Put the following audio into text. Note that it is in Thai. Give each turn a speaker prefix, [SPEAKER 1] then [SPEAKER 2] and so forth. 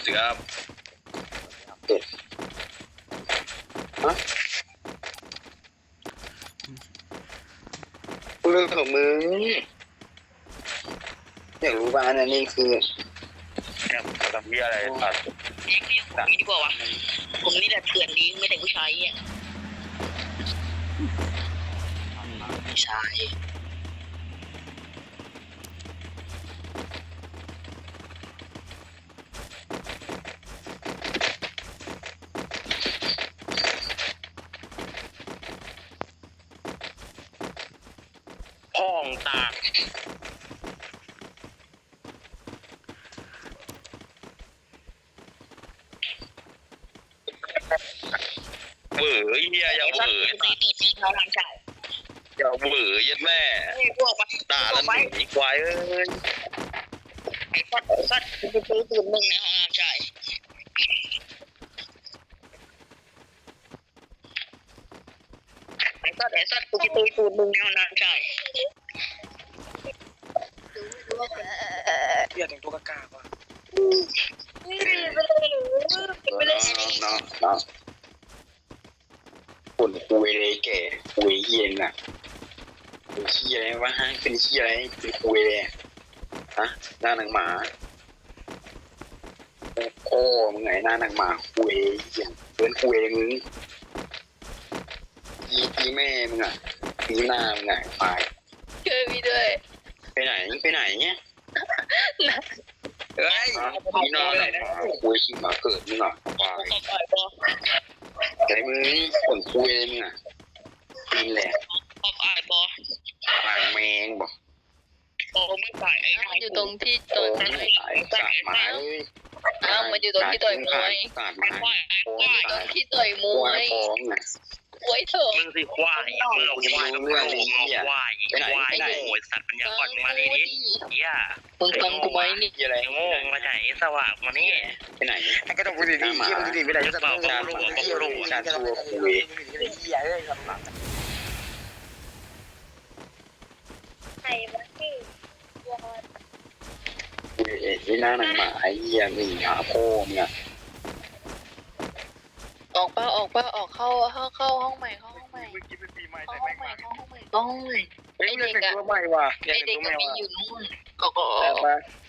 [SPEAKER 1] เสือฮะเรื่องของมึงอยากรู้บ้านอันนี้คือเนี่ยทำเบี้ยอะไรตัด
[SPEAKER 2] ผมนี่ดีกว่าวะผมนี่แหละเถื่อนดีไม่แต่ผู้ชายอ่ะผู้ชาย
[SPEAKER 3] ห้องตาเบื่อเฮียอย่าเบื่อ
[SPEAKER 2] ตีเขาทางชาย
[SPEAKER 3] อย่าเบื่อยัดแม่
[SPEAKER 2] พวกมัน
[SPEAKER 3] ด่าแล้วหนีควายเอ้ย
[SPEAKER 2] ไอ้ฟัดกูไปซื้อปืนมึงในห้องน้ำชายไอ้สัตว์กูไปซื้อปืนมึงในห้องน้ำชาย
[SPEAKER 4] เปลี่ยนแต่งตัวกากๆว่ะ
[SPEAKER 2] ไปเลย
[SPEAKER 1] น้องฝุ่นคุยเลยแก่คุยเย็นอ่ะคุยเชี่ยอะไรวะฮะเป็นเชี่ยอะไรเป็นคุยเลยฮะหน้าหนังหมาโอ้มึงไงหน้าหนังหมาคุยเย็นเพื่อนคุยมึงตีแม่มึงอ่ะตีหน้ามึงไงตาย
[SPEAKER 5] ช่วยพี่ด้วย
[SPEAKER 1] ไปไหนเนี่ยเฮ้ยตีหน้าหนังหมาคุยขี้หมาเกิดมึงอ่ะตายไอ้มึงฝนคุยเลยมึงอ่ะตีนแหละ
[SPEAKER 2] ออกอายบอ
[SPEAKER 1] ตายแมงบอก
[SPEAKER 2] โอ้ไม่ตายไอ้
[SPEAKER 5] มันอยู่ตรงที่
[SPEAKER 1] โอ้
[SPEAKER 5] ต่อย
[SPEAKER 1] ยตายสาดหมาเลย
[SPEAKER 5] อ้าวมันอยู่ตรงที่ต่อยมวย
[SPEAKER 1] สาดหมาโอ้ย
[SPEAKER 5] ตรงที่ต่อยม
[SPEAKER 1] คว
[SPEAKER 5] วย
[SPEAKER 1] ท้องอ่ะ
[SPEAKER 5] ไว้เถอะ
[SPEAKER 3] มึงสิควายมึงควายควายโง่สัตว์ปัญญาอ่อนมาเลยดิเฮีย
[SPEAKER 5] มึงฟังกูไหมนี่
[SPEAKER 1] ยี่อะไร
[SPEAKER 3] ไอ้โง่มาไหนสว่างมานี่
[SPEAKER 1] ไปไหน
[SPEAKER 4] ก็ต้องพูดดีๆที่มันดีๆไม่ได้จะต้องพูด
[SPEAKER 1] ชาตัวคุย
[SPEAKER 4] เหี้ยเลยลำบาก
[SPEAKER 5] ใครวะที่
[SPEAKER 1] คุยไอ้หน้าหนังหมาไอ้เหี้ยนี่หาพ่อมึงอ่ะ
[SPEAKER 5] ออกเข้าห้องใหม่เข้าห้องใหม่
[SPEAKER 4] เมื่อกี้เป็นปีใหม่
[SPEAKER 5] เข้า
[SPEAKER 4] แต่
[SPEAKER 5] ห้องใหม่
[SPEAKER 4] แม่ง
[SPEAKER 5] เข้าห้องใหม่เข้าห้องใหม่
[SPEAKER 4] เฮ้ยเปลี่ยนแต่งตัวใหม่ว่ะเปลี่ยน
[SPEAKER 5] ไอ
[SPEAKER 4] แต่ง
[SPEAKER 5] เด็ก
[SPEAKER 4] ตัวใหม่
[SPEAKER 5] ก็มี
[SPEAKER 4] ว่ะ
[SPEAKER 5] อยู่นู่นก็
[SPEAKER 4] แต่มา